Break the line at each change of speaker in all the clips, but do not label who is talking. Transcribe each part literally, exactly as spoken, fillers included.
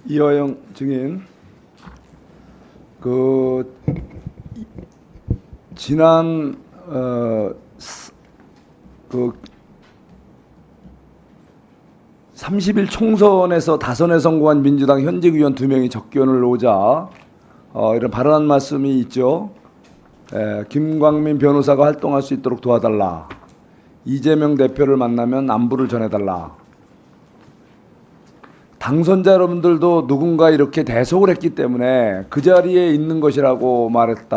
이화영 증인, 그 지난 어, 그 삼십 일 총선에서 다선에 성공한 민주당 현직 의원 두 명이 접견을 오자 어, 이런 발언한 말씀이 있죠. 에, 김광민 변호사가 활동할 수 있도록 도와달라. 이재명 대표를 만나면 안부를 전해달라. 당선자 여러분들도 누군가 이렇게 대속을 했기 때문에 그 자리에 있는 것이라고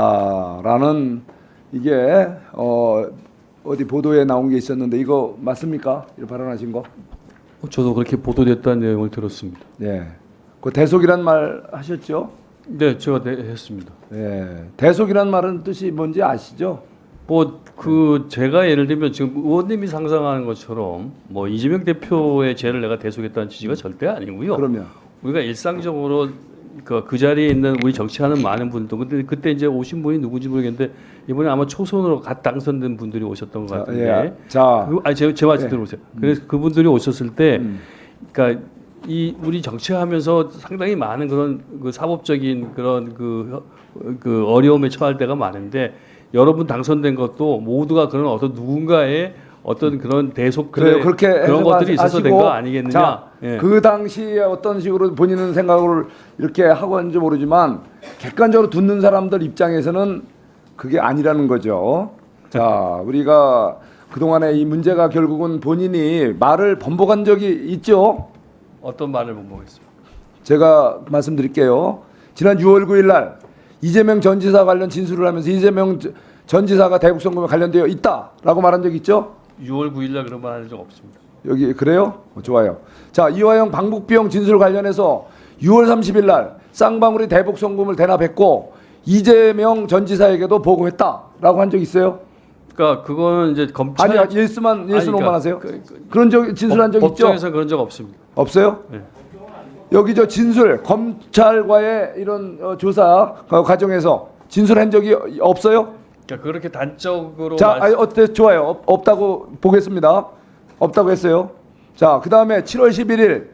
말했다라는 이게 어, 어디 보도에 나온 게 있었는데 이거 맞습니까? 이렇게 발언하신 거?
저도 그렇게 보도됐다는 내용을 들었습니다.
네. 그 대속이란 말 하셨죠?
네, 제가 네, 했습니다.
네. 대속이란 말은 뜻이 뭔지 아시죠?
뭐 그 제가 예를 들면 지금 의원님이 상상하는 것처럼 뭐 이재명 대표의 죄를 내가 대속했다는 취지가 절대 아니고요.
그러면
우리가 일상적으로 그, 그 자리에 있는 우리 정치하는 많은 분들, 근데 그때 이제 오신 분이 누군지 모르겠는데 이번에 아마 초선으로 갓 당선된 분들이 오셨던 것 같은데.
자, 예. 자,
그, 아니 제, 제 말씀
예.
들어보세요. 그래서 그분들이 오셨을 때,
음.
그러니까 이 우리 정치하면서 상당히 많은 그런 그 사법적인 그런 그, 그 어려움에 처할 때가 많은데 여러분 당선된 것도 모두가 그런 어떤 누군가의 어떤 그런 대속들의
그래요. 그렇게
그런 것들이 있어서 된
하시고,
거 아니겠느냐?
자,
예.
그 당시에 어떤 식으로 본인은 생각을 이렇게 하고 하는지 모르지만 객관적으로 듣는 사람들 입장에서는 그게 아니라는 거죠. 자, 우리가 그동안에 이 문제가 결국은 본인이 말을 번복한 적이 있죠.
어떤 말을 못 보겠습니다.
제가 말씀드릴게요. 지난 유월 구일 날 이재명 전 지사 관련 진술을 하면서 이재명 전 지사가 대북 선거에 관련되어 있다라고 말한 적 있죠?
유월 구일 날 그런 말 한 적 없습니다.
여기 그래요? 어, 좋아요. 자, 이화영 방북 비용 진술 관련해서 유월 삼십일 날 쌍방울이 대북 송금을 대납했고 이재명 전 지사에게도 보고했다라고 한 적 있어요?
그러니까 그거는 이제 검찰
아니, 예스만 예스노만
그러니까
하세요.
그, 그,
그런 적 진술한 적 있죠?
법정에서 그런 적 없습니다.
없어요?
네.
여기 저 진술 검찰과의 이런 어, 조사 어, 과정에서 진술한 적이 없어요?
그러니까 그렇게 단적으로
자,
말씀...
아니, 어때? 좋아요. 없, 없다고 보겠습니다. 없다고 했어요. 자, 그 다음에 칠월 십일일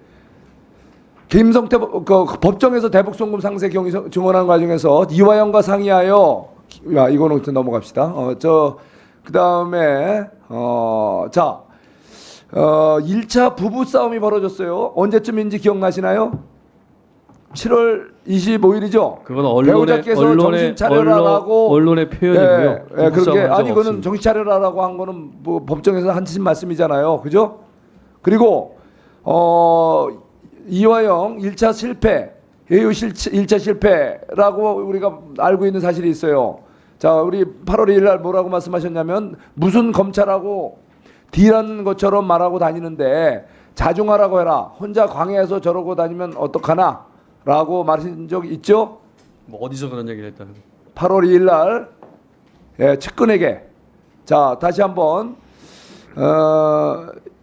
김성태 법- 그 법정에서 대북 송금 상세 경위 서- 증언하는 과정에서 이화영과 상의하여, 야, 이거는 좀 넘어갑시다. 어, 저, 그 다음에 어, 자, 어, 일 차 부부 싸움이 벌어졌어요. 언제쯤인지 기억나시나요? 칠월 이십오일이죠.
그건 언론의
배우자께서
언론의
정신 차려라라고
언론, 언론의 표현이고요.
예, 예, 그렇게
부부싸움 한 적
아니 그거는
없습니다.
정신 차려라라고 한 거는 뭐 법정에서 하신 말씀이잖아요, 그죠? 그리고 어 이화영 일 차 실패, 예우 일 차 실패라고 우리가 알고 있는 사실이 있어요. 자, 우리 팔월 이일 날 뭐라고 말씀하셨냐면 무슨 검찰하고 딜하는 것처럼 말하고 다니는데 자중하라고 해라. 혼자 광해에서 저러고 다니면 어떡하나? 라고 말하신 적 있죠?
뭐 어디서 그런 얘기를 했다는 거예요?
팔월 이일 날 예, 측근에게 자 다시 한번 어,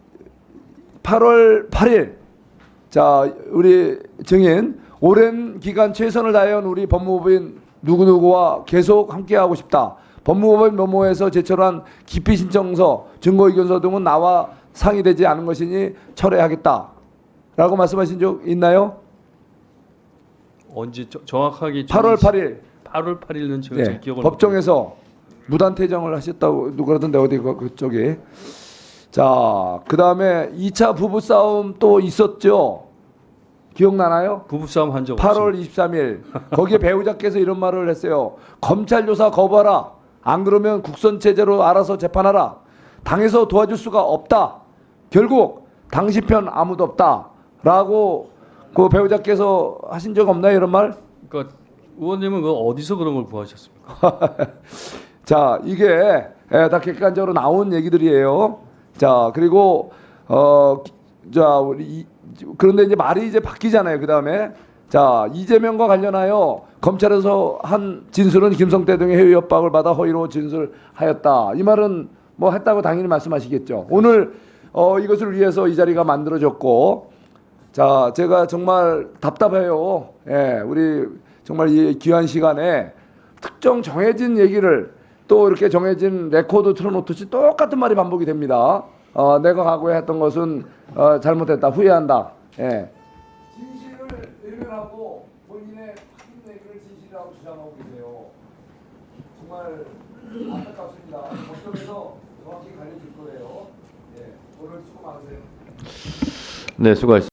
팔월 팔일 자 우리 증인 오랜 기간 최선을 다해온 우리 법무부인 누구누구와 계속 함께하고 싶다. 법무법인 메모에서 제출한 기피 신청서, 증거의견서 등은 나와 상의되지 않은 것이니 철회하겠다라고 말씀하신 적 있나요?
언제 저, 정확하게
팔월 팔일
팔월 팔일은 제가
네,
잘 기억을
법정에서 무단퇴정을 하셨다고 누가 그러던데 어디 그, 그쪽에 자 그다음에 이 차 부부싸움 또 있었죠. 기억나나요?
부부싸움 한 적
팔월
없습니다.
이십삼일 거기에 배우자께서 이런 말을 했어요. 검찰 조사 거부하라. 안 그러면 국선 체제로 알아서 재판하라. 당에서 도와줄 수가 없다. 결국 당시 편 아무도 없다라고 그 배우자께서 하신 적 없나요, 이런 말?
그러니까 의원님은 그 어디서 그런 걸 구하셨습니까?
자, 이게 예, 다 객관적으로 나온 얘기들이에요. 자, 그리고 어, 자, 우리 이, 그런데 이제 말이 이제 바뀌잖아요. 그 다음에 자 이재명과 관련하여 검찰에서 한 진술은 김성태 등의 해외 협박을 받아 허위로 진술하였다. 이 말은 뭐 했다고 당연히 말씀하시겠죠. 오늘 어, 이것을 위해서 이 자리가 만들어졌고, 자 제가 정말 답답해요. 예, 우리 정말 이 귀한 시간에 특정 정해진 얘기를 또 이렇게 정해진 레코드 틀어놓듯이 똑같은 말이 반복이 됩니다. 어, 내가 과거에 했던 것은 어, 잘못했다, 후회한다. 예. 진실을 외면하고 본인의 확인 내기를 진실이라고 주장하고 계세요. 정말 안타깝습니다. 법정에서 정확히 가려질 거예요. 예, 오늘 수고 많으세요.
네, 수고하셨습니다.